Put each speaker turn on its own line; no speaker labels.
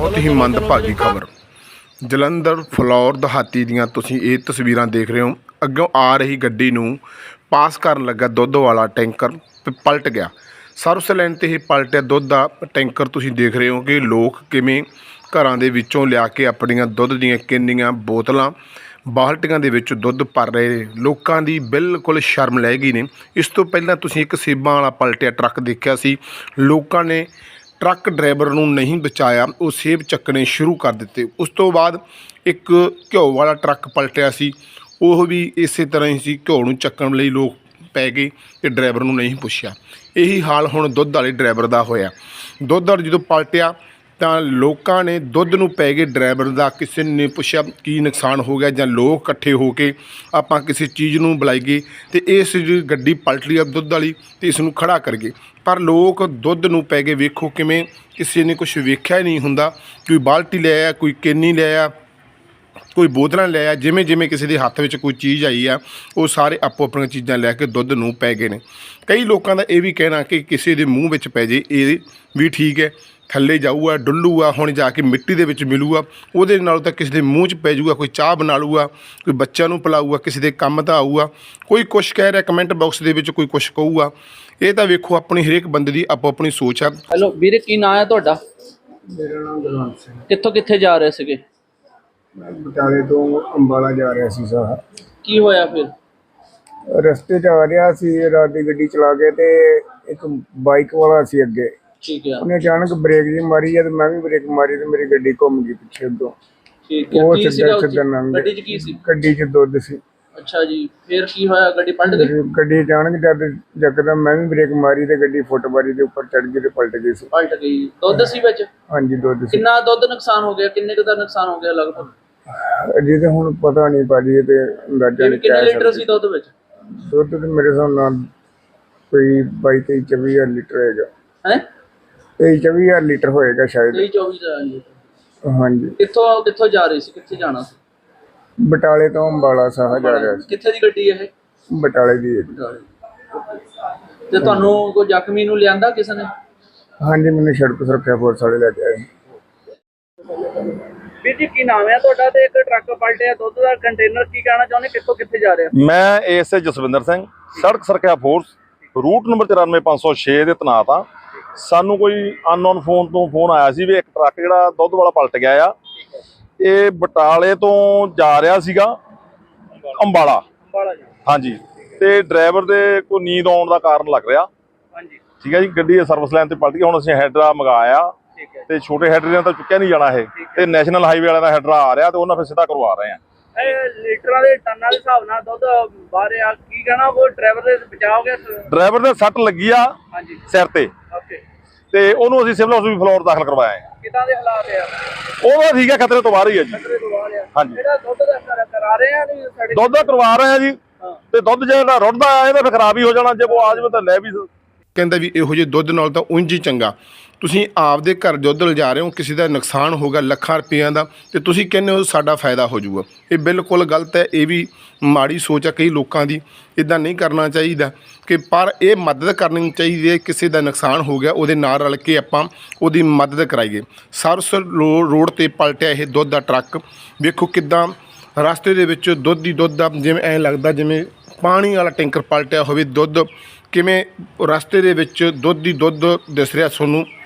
बहुत ही मंदभागी खबर जलंधर फलौर दहाती ਦੀਆਂ ਤੁਸੀਂ ਇਹ ਤਸਵੀਰਾਂ ਦੇਖ ਰਹੇ ਹੋ। ਅੱਗੋਂ ਆ ਰਹੀ ਗੱਡੀ ਨੂੰ ਪਾਸ ਕਰਨ ਲੱਗਾ ਦੁੱਧ ਵਾਲਾ ਟੈਂਕਰ ਤੇ ਪਲਟ ਗਿਆ। ਸਰਵਿਸ ਲਾਈਨ ਤੇ ਇਹ ਪਲਟਿਆ ਦੁੱਧ ਦਾ ਟੈਂਕਰ। ਤੁਸੀਂ ਦੇਖ ਰਹੇ ਹੋ ਕਿ ਲੋਕ ਕਿਵੇਂ ਘਰਾਂ ਦੇ ਵਿੱਚੋਂ ਲਿਆ ਕੇ ਆਪਣੀਆਂ ਦੁੱਧ ਦੀਆਂ ਕਿੰਨੀਆਂ ਬੋਤਲਾਂ ਬਾਲਟੀਆਂ ਦੇ ਵਿੱਚ ਦੁੱਧ ਭਰ ਰਹੇ ਨੇ। ਲੋਕਾਂ ਦੀ ਬਿਲਕੁਲ ਸ਼ਰਮ ਲੈ ਗਈ ਨੇ। ਇਸ ਤੋਂ ਪਹਿਲਾਂ ਤੁਸੀਂ ਇੱਕ ਸੇਬਾਂ ਵਾਲਾ ਪਲਟਿਆ ਟਰੱਕ ਦੇਖਿਆ ਸੀ। ਲੋਕਾਂ ਨੇ ट्रक ड्राइवर नूं नहीं बचाया, वो सेब चकने शुरू कर दिते। उस तो बाद एक घ्यो वाला ट्रक पलटिया सी, वो भी इस तरह ही सी। घ्यो नूं चक्कण लई लोग पै गए ते ड्राइवर नूं नहीं पुछया। यही हाल हुण दुध वाले ड्राइवर दा होया। दुध वाला जो पलटिया तो लोगों ने दुध नूं पै गए ड्राइवर का, किसी ने पुछया की नुकसान हो गया जां लोग इकट्ठे होके आपां किसी चीज़ नूं बुलाईए तो इस गड्डी पलट ली दुध वाली तो इस नूं खड़ा कर गए। पर लोग दुध नूं पै गए। वेखो किवें किसी ने कुछ वेख्या ही नहीं हुंदा। कोई बाल्टी ले आया, कोई केनी ले आया, कोई बोतलां ले आया। जिमें जिमें किसी के हत्थ में कोई चीज़ आई है वो सारे आपो अपनी चीज़ां लैके दुध नूं पै गए ने। कई लोगों का यह भी कहना कि किसी के मूँह में पै जे ये भी ठीक है, थल्ले जाऊगा डुल्लूगा, हुण जाके मिट्टी दे विच मिलूगा, उहदे नाल तां किसी दे मूँह च पै जूगा। कोई चाह बना लूगा, कोई बच्चों नूं पिलाऊगा, किसी दे काम तां आऊगा। कोई कुछ कह रहा, कमेंट बॉक्स दे विच कोई कुछ कहूगा। ये तो वेखो अपनी हरेक बंदे की आपो अपनी सोच है।
हेलो वीरे, की नाम है तुहाडा?
मेरा नाम गुरवंत सिंह।
कित्थों कित्थे जा रहे सीगे?
मैं बटाले तो अंबाला जा रहा सी साहब।
की होया फिर?
रस्ते च आ रहा सी, रात की गड्डी चला के ते एक बाइक वाला सी अगे,
ठीक है
उन्हें अचानक ब्रेक जी मारी है तो मैं भी ब्रेक मारी तो मेरी गड्डी घूम गई पीछे तो
ठीक है।
वो
की
सीधा
सीगा
सीधा लंघ
गड्डी च की सी?
गड्डी च दुध सी।
अच्छा जी, फिर की होया? गड्डी पलट गई?
गड्डी अचानक जब यकदम मैं भी ब्रेक मारी तो गड्डी फुटबारी के ऊपर चढ़ गई तो पलट गई सी।
पलट गई। दुध सी विच?
हाँ जी दुध सी।
कितना दुध नुकसान हो गया? किन्ने दा नुकसान हो गया लगभग?
अजे तो हुण पता नहीं पाजी ते अंदाजा नहीं
किन्ने
क्या
लीटर सी दुध विच?
दुध तो मेरे हिसाब नाल कोई 22-23 लीटर होएगा।
हैं
23-24 लीटर होएगा शायद।
23-24 लीटर।
हाँ जी।
कित्थों कित्थों जा रही सी? कित्थे जाना सी?
बटाले तो अंबाला साहा जा रहा सी।
कित्थे दी गड्डी है?
बटाले दी है।
ते तुहानू कोई जख्मी नू लियांदा किसी ने?
हाँ जी, मैंने सड़क सुरक्षा फोर्स वाले लेके आए।
ਵੀਰ ਜੀ, ਕੀ ਨਾਮ ਹੈ ਤੁਹਾਡਾ ਤੇ ਇੱਕ ਟਰੱਕ ਪਲਟਿਆ ਦੁੱਧ ਦਾ ਕੰਟੇਨਰ, ਕੀ ਕਹਿਣਾ ਚਾਹੁੰਦੇ, ਕਿੱਥੋਂ ਕਿੱਥੇ ਜਾ ਰਿਹਾ?
ਮੈਂ ਏਐਸਏ ਜਸਵਿੰਦਰ ਸਿੰਘ, ਸੜਕ ਸੁਰੱਖਿਆ ਫੋਰਸ, ਰੂਟ ਨੰਬਰ 94506 ਦੇ ਤੈਨਾਤ ਆ। ਸਾਨੂੰ ਕੋਈ ਅਨਨੋਨ ਫੋਨ ਤੋਂ ਫੋਨ ਆਇਆ ਸੀ ਵੀ ਇੱਕ ਟਰੱਕ ਜਿਹੜਾ ਦੁੱਧ ਵਾਲਾ ਪਲਟ ਗਿਆ ਆ। ਇਹ ਬਟਾਲੇ ਤੋਂ ਜਾ ਰਿਹਾ ਸੀਗਾ ਅੰਬਾਲਾ। ਹਾਂਜੀ, ਤੇ ਡਰਾਈਵਰ ਦੇ ਕੋਈ ਨੀਂਦ ਆਉਣ ਦਾ ਕਾਰਨ ਲੱਗ ਰਿਹਾ।
ਹਾਂਜੀ,
ਠੀਕ ਹੈ ਜੀ। ਗੱਡੀ ਸਰਵਿਸ ਲਾਈਨ ਤੇ ਪਲਟ ਗਈ। ਹੁਣ ਅਸੀਂ ਹੈਡਰਾ ਮੰਗਾਇਆ ਤੇ ਛੋਟੇ ਹੈਡਰੇ ਨਾਲ ਤਾਂ ਚੁੱਕਿਆ ਨਹੀਂ ਜਾਣਾ ਇਹ, ਤੇ ਨੈਸ਼ਨਲ ਹਾਈਵੇ ਵਾਲਿਆਂ ਦਾ ਹੈਡਰਾ ਆ ਰਿਹਾ ਤੇ ਉਹਨਾਂ ਫਿਰ ਸਿੱਧਾ ਕਰਵਾ ਰਹੇ ਆ।
ਇਹ ਲੀਟਰਾਂ ਦੇ ਟਨਾਂ ਦੇ ਹਿਸਾਬ ਨਾਲ ਦੁੱਧ ਬਾਹਰ ਆ, ਕੀ ਕਹਿਣਾ? ਉਹ ਡਰਾਈਵਰ ਦੇ ਬਚਾਅ ਹੋ ਗਿਆ?
ਡਰਾਈਵਰ ਦੇ ਸੱਟ ਲੱਗੀ ਆ
ਹਾਂਜੀ
ਸਿਰ ਤੇ,
ਓਕੇ।
ਤੇ ਉਹਨੂੰ ਅਸੀਂ ਸਿਵਲ ਹਸਪੀਟਲ ਫਲੋਰ ਦਾਖਲ ਕਰਵਾਇਆ ਹੈ।
ਕਿਦਾਂ ਦੇ ਹਾਲਾਤ ਆ?
ਉਹਦਾ ਠੀਕ ਹੈ, ਖਤਰੇ ਤੋਂ ਬਾਹਰ ਹੀ ਹੈ ਜੀ।
ਖਤਰੇ ਤੋਂ ਬਾਹਰ ਆ।
ਹਾਂਜੀ,
ਜਿਹੜਾ ਦੁੱਧ ਦਾ ਕਰਾ ਰਹੇ ਆ ਨਹੀਂ ਸਾਡੇ
ਦੁੱਧ ਦਾ ਕਰਵਾ ਰਹੇ ਆ ਜੀ। ਤੇ ਦੁੱਧ ਜਿਹੜਾ ਰੁੜਦਾ ਆ ਇਹਦਾ ਫਿਰ ਖਰਾਬ ਹੀ ਹੋ ਜਾਣਾ। ਜੇ ਉਹ ਆ ਜਾਵੇ ਤਾਂ ਲੈ ਵੀ
ਕਹਿੰਦਾ ਵੀ ਇਹੋ ਜਿਹੇ ਦੁੱਧ ਨਾਲ ਤਾਂ ਉਂਝ ਹੀ ਚੰਗਾ। ਤੁਸੀਂ ਆਪਦੇ ਘਰ ਦੁੱਧ ਲਿਜਾ ਰਹੇ ਹੋ, ਕਿਸੇ ਦਾ ਨੁਕਸਾਨ ਹੋਗਾ ਲੱਖਾਂ ਰੁਪਈਆਂ ਦਾ, ਤੇ ਤੁਸੀਂ ਕਹਿੰਦੇ ਹੋ ਸਾਡਾ ਫਾਇਦਾ ਹੋ ਜਾਊਗਾ। ਇਹ ਬਿਲਕੁਲ ਗਲਤ ਹੈ। ਇਹ ਵੀ ਮਾੜੀ ਸੋਚ ਹੈ ਕਈ ਲੋਕਾਂ ਦੀ। ਇੱਦਾਂ ਨਹੀਂ ਕਰਨਾ ਚਾਹੀਦਾ ਕਿ ਪਰ ਇਹ ਮਦਦ ਕਰਨੀ ਚਾਹੀਦੀ ਹੈ। ਕਿਸੇ ਦਾ ਨੁਕਸਾਨ ਹੋ ਗਿਆ ਉਹਦੇ ਨਾਲ ਰਲ ਕੇ ਆਪਾਂ ਉਹਦੀ ਮਦਦ ਕਰਾਈਏ। ਸਰਵਿਸ ਰੋਡ 'ਤੇ ਪਲਟਿਆ ਇਹ ਦੁੱਧ ਦਾ ਟਰੱਕ। ਵੇਖੋ ਕਿੱਦਾਂ ਰਸਤੇ ਦੇ ਵਿੱਚ ਦੁੱਧ ਦਾ ਜਿਵੇਂ ਐਂ ਲੱਗਦਾ ਜਿਵੇਂ ਪਾਣੀ ਵਾਲਾ ਟੈਂਕਰ ਪਲਟਿਆ ਹੋਵੇ। ਦੁੱਧ ਕਿਵੇਂ ਰਸਤੇ ਦੇ ਵਿੱਚ ਦੁੱਧ ਦਿਸ ਰਿਹਾ ਤੁਹਾਨੂੰ।